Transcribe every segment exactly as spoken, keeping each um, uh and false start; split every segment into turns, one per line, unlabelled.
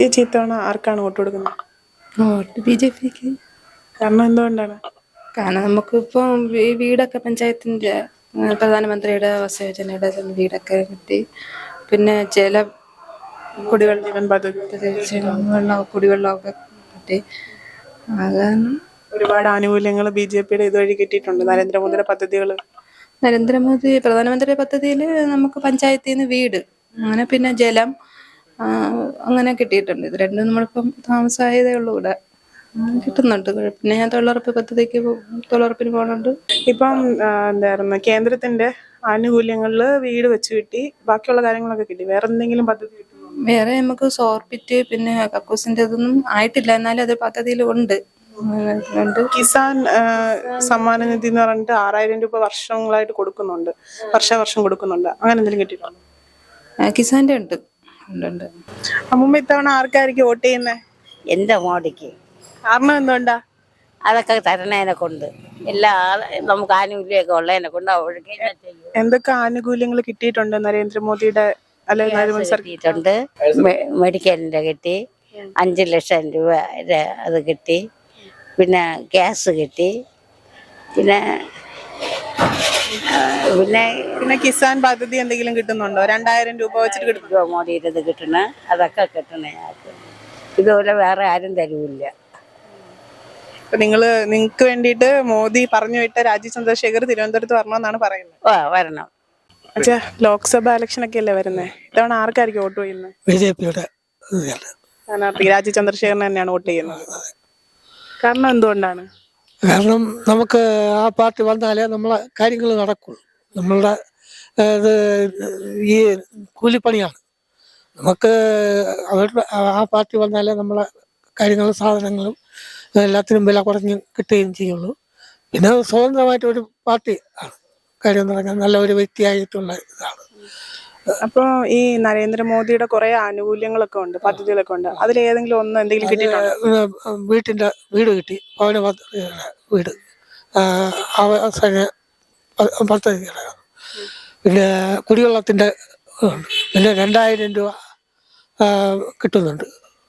ചേച്ചി ഇത്തവണ ആർക്കാണ് വോട്ട് കൊടുക്കുന്നത്?
വോട്ട് ബി ജെ പിക്ക്.
കാരണം എന്തുകൊണ്ടാണ്?
കാരണം നമുക്കിപ്പം ഈ വീടൊക്കെ പഞ്ചായത്തിൻ്റെ പ്രധാനമന്ത്രിയുടെ ആവാസ് യോജനയുടെ വീടൊക്കെ കിട്ടി. പിന്നെ ചില കുടിവെള്ള
ജീവൻ പദ്ധതി
വെള്ളം കുടിവെള്ളമൊക്കെ കിട്ടി. അത് കാരണം
ഒരുപാട് ആനുകൂല്യങ്ങൾ ബി ജെ പിയുടെ ഇതുവഴി കിട്ടിയിട്ടുണ്ട്. നരേന്ദ്രമോദിയുടെ പദ്ധതികൾ
നരേന്ദ്രമോദി പ്രധാനമന്ത്രി പദ്ധതിയിൽ നമുക്ക് പഞ്ചായത്തിൽ നിന്ന് വീട്, അങ്ങനെ പിന്നെ ജലം, അങ്ങനെ കിട്ടിയിട്ടുണ്ട്. ഇത് രണ്ടും നമ്മളിപ്പം താമസമായതേ ഉള്ളൂ ഇവിടെ. കിട്ടുന്നുണ്ട്. പിന്നെ ഞാൻ തൊഴിലുറപ്പ് പദ്ധതിക്ക് തൊഴിലുറപ്പിന് പോകുന്നുണ്ട്.
ഇപ്പം എന്തായിരുന്നു കേന്ദ്രത്തിന്റെ ആനുകൂല്യങ്ങളിൽ വീട് വെച്ച് കിട്ടി, ബാക്കിയുള്ള കാര്യങ്ങളൊക്കെ കിട്ടി. വേറെ എന്തെങ്കിലും പദ്ധതി കിട്ടുമോ?
വേറെ നമുക്ക് സോർബിറ്റ് പിന്നെ കക്കൂസിന്റെ ഇതൊന്നും ആയിട്ടില്ല, എന്നാലും അത് പദ്ധതിയിൽ ഉണ്ട്.
കിസാൻ സമ്മാന നിധി എന്ന് പറഞ്ഞിട്ട് ആറായിരം രൂപ വർഷങ്ങളായിട്ട് കൊടുക്കുന്നുണ്ട്, വർഷാവർഷം കൊടുക്കുന്നുണ്ട്. അങ്ങനെ എന്തെങ്കിലും കിട്ടിയിട്ടുണ്ടോ?
കിസാന്റെ ഉണ്ട് ഉണ്ട്
അമ്മൂമ്മ ഇത്തവണ ആർക്കായിരിക്കും വോട്ട് ചെയ്യുന്നത്?
എന്റെ മോഡിക്ക്.
കാരണം എന്തുകൊണ്ടാ?
അതൊക്കെ തരണേനെ കൊണ്ട് എല്ലാ നമുക്ക് ആനുകൂല്യമൊക്കെ ഉള്ളതിനെ കൊണ്ട് അവർക്ക്
എന്തൊക്കെ ആനുകൂല്യങ്ങൾ കിട്ടിയിട്ടുണ്ട് നരേന്ദ്രമോദിയുടെ
കിട്ടിയിട്ടുണ്ട്. മെഡിക്കലിന്റെ കിട്ടി, അഞ്ചു ലക്ഷം രൂപ അത് കിട്ടി, പിന്നെ ഗ്യാസ് കിട്ടി, പിന്നെ പിന്നെ
പിന്നെ കിസാൻ പദ്ധതി എന്തെങ്കിലും കിട്ടുന്നുണ്ടോ? രണ്ടായിരം രൂപ വെച്ചിട്ട് കിട്ടുന്നുണ്ടോ?
മോഡിയുടെ ഇത് കിട്ടണ അതൊക്കെ കിട്ടണേ. ഇതുപോലെ വേറെ ആരും തരൂല്ല.
നിങ്ങള് നിങ്ങക്ക് വേണ്ടിയിട്ട് മോദി പറഞ്ഞു വിട്ട രാജീവ് ചന്ദ്രശേഖർ തിരുവനന്തപുരത്ത് വരണമെന്നാണ് പറയുന്നത്.
ഓ വരണം.
അച്ഛാ, ലോക്സഭ ഇലക്ഷൻ ഒക്കെ അല്ലേ വരുന്നത്? ഇത്തവണ ആർക്കായിരിക്കും വോട്ട് ചെയ്യുന്നത്?
ബി ജെ പിയുടെ
സ്ഥാനാർത്ഥി രാജീവ് ചന്ദ്രശേഖരൻ തന്നെയാണ് വോട്ട് ചെയ്യുന്നത്. കാരണം എന്തുകൊണ്ടാണ്?
കാരണം നമുക്ക് ആ പാർട്ടി വന്നാലേ നമ്മളെ കാര്യങ്ങൾ നടക്കുള്ളൂ. നമ്മളുടെ ഇത് ഈ കൂലിപ്പണിയാണ്. നമുക്ക് അവരുടെ ആ പാർട്ടി വന്നാലേ നമ്മളെ കാര്യങ്ങളും സാധനങ്ങളും എല്ലാത്തിനും വില കുറഞ്ഞ് കിട്ടുകയും ചെയ്യുള്ളൂ. പിന്നെ സ്വതന്ത്രമായിട്ടൊരു പാർട്ടി ആണ്. കാര്യം എന്ന് പറഞ്ഞാൽ നല്ല ഒരു വ്യക്തിയായിട്ടുള്ള ഇതാണ്.
അപ്പൊ ഈ നരേന്ദ്രമോദിയുടെ കുറെ ആനുകൂല്യങ്ങളൊക്കെ ഉണ്ട്, പദ്ധതികളൊക്കെ ഉണ്ട്. അതിലേതെങ്കിലും ഒന്ന് എന്തെങ്കിലും കിട്ടിയിട്ടുണ്ടോ?
വീട്ടിൻ്റെ വീട് കിട്ടി, ഭവന പദ്ധതിയുടെ വീട്, അവസാന പദ്ധതിയുടെ, പിന്നെ കുടിവെള്ളത്തിൻ്റെ ഉണ്ട്, പിന്നെ രണ്ടായിരം രൂപ കിട്ടുന്നുണ്ട്.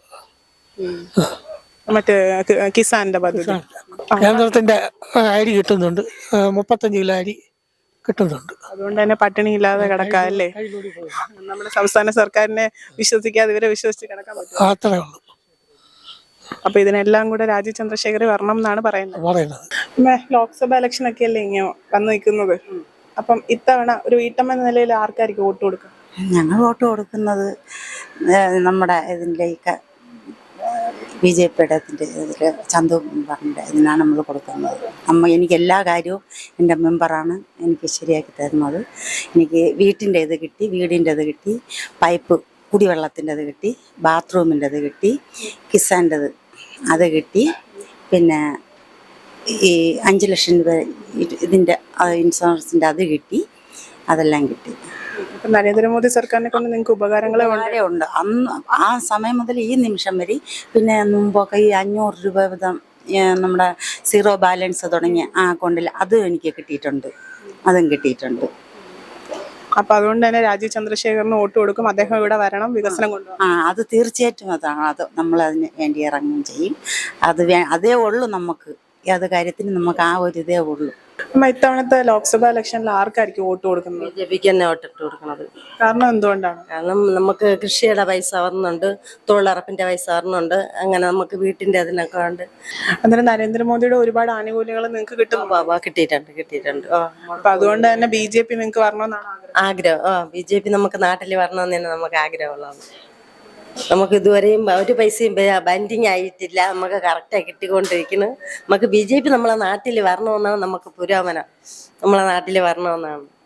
മറ്റേ കിസാന്റെ പദ്ധതി
കേന്ദ്രത്തിന്റെ അരി കിട്ടുന്നുണ്ട്, മുപ്പത്തഞ്ച് കിലോ അരി കിട്ടുന്നുണ്ട്.
അതുകൊണ്ട് തന്നെ പട്ടിണി ഇല്ലാതെ കിടക്കാം അല്ലേ? നമ്മുടെ സംസ്ഥാന സർക്കാരിനെ വിശ്വസിക്കാതെ ഇവരെ വിശ്വസിച്ച് കിടക്കാൻ പറ്റും.
അത്രേ ഉള്ളൂ.
അപ്പൊ ഇതിനെല്ലാം കൂടെ രാജീവ് ചന്ദ്രശേഖർ വരണം എന്നാണ് പറയുന്നത്.
പറയുന്നത്
പിന്നെ ലോക്സഭ ഇലക്ഷൻ ഒക്കെ അല്ലേ ഇങ്ങനെ വന്നു നിൽക്കുന്നത്. അപ്പം ഇത്തവണ ഒരു വീട്ടമ്മ എന്ന നിലയിൽ ആർക്കായിരിക്കും വോട്ട് കൊടുക്കുക?
ഞങ്ങൾ വോട്ട് കൊടുക്കുന്നത് നമ്മുടെ ഇതിലേക്ക് ബി ജെ പിയുടെ ഇതിൻ്റെ ഇതിൽ ചന്തു മെമ്പറിൻ്റെ ഇതിനാണ് നമ്മൾ കൊടുക്കുന്നത്. അമ്മ എനിക്ക് എല്ലാ കാര്യവും എൻ്റെ മെമ്പറാണ് എനിക്ക് ശരിയാക്കി തരുന്നത്. എനിക്ക് വീട്ടിൻ്റെ ഇത് കിട്ടി, വീടിൻ്റെ ഇത് കിട്ടി, പൈപ്പ് കുടിവെള്ളത്തിൻ്റെ ഇത് കിട്ടി, ബാത്റൂമിൻ്റെ ഇത് കിട്ടി, കിസാൻ്റെത് അത് കിട്ടി, പിന്നെ ഈ അഞ്ച് ലക്ഷം രൂപ ഇതിൻ്റെ ഇൻഷുറൻസിൻ്റെ അത് കിട്ടി, അതെല്ലാം കിട്ടി.
നരേന്ദ്രമോദി സർക്കാരിനെ കൊണ്ട് നിങ്ങൾക്ക് ഉപകാരങ്ങളെ
വളരെ ഉണ്ട്. അന്ന് ആ സമയം മുതൽ ഈ നിമിഷം വരെ, പിന്നെ മുമ്പൊക്കെ ഈ അഞ്ഞൂറ് രൂപ വീതം നമ്മുടെ സീറോ ബാലൻസ് തുടങ്ങിയ ആ അക്കൗണ്ടിൽ അതും എനിക്ക് കിട്ടിയിട്ടുണ്ട്, അതും കിട്ടിയിട്ടുണ്ട്.
അപ്പൊ അതുകൊണ്ട് തന്നെ രാജീവ് ചന്ദ്രശേഖറിന് വോട്ട് കൊടുക്കും. അദ്ദേഹം ഇവിടെ വരണം, വികസനം കൊണ്ടുപോകും.
ആ അത് തീർച്ചയായിട്ടും അതാണ്. അത് നമ്മൾ അതിന് വേണ്ടി ഇറങ്ങുകയും ചെയ്യും. അത് വേ അതേ ഉള്ളൂ നമുക്ക്. ഏത് കാര്യത്തിനും നമുക്ക് ആ ഒരു ഇതേ ഉള്ളൂ.
ഇത്തവണത്തെ ലോക്സഭ ഇലക്ഷനിൽ ആർക്കായിരിക്കും വോട്ട് കൊടുക്കുന്നത്?
ബി ജെ പിക്ക് തന്നെ വോട്ടിട്ട് കൊടുക്കുന്നത്.
കാരണം എന്തുകൊണ്ടാണ്?
കാരണം നമുക്ക് കൃഷിയുടെ പൈസ വരുന്നുണ്ട്, തൊഴിലുറപ്പിന്റെ പൈസ വരുന്നുണ്ട്, അങ്ങനെ നമുക്ക് വീട്ടിന്റെ അതിനൊക്കെ ഉണ്ട്.
അന്നേരം നരേന്ദ്രമോദിയുടെ ഒരുപാട് ആനുകൂല്യങ്ങൾ നിങ്ങൾക്ക് കിട്ടും.
കിട്ടിയിട്ടുണ്ട് കിട്ടിയിട്ടുണ്ട്
അപ്പൊ അതുകൊണ്ട് തന്നെ ബി ജെ പി നിങ്ങൾക്ക് വരണമെന്നാണ്
ആഗ്രഹം. ആ ബി ജെ പി നമുക്ക് നാട്ടിൽ വരണമെന്ന് തന്നെ നമുക്ക് ആഗ്രഹമുള്ളതാണ്. നമുക്ക് ഇതുവരെയും ഒരു പൈസയും ബൻഡിങ് ആയിട്ടില്ല, നമുക്ക് കറക്റ്റായി കിട്ടിക്കൊണ്ടിരിക്കുന്നു. നമുക്ക് ബി ജെ പി നമ്മളെ നാട്ടിൽ വരണമെന്നാണ് നമുക്ക് പുരോഗമനം, നമ്മളെ നാട്ടിൽ വരണമെന്നാണ്.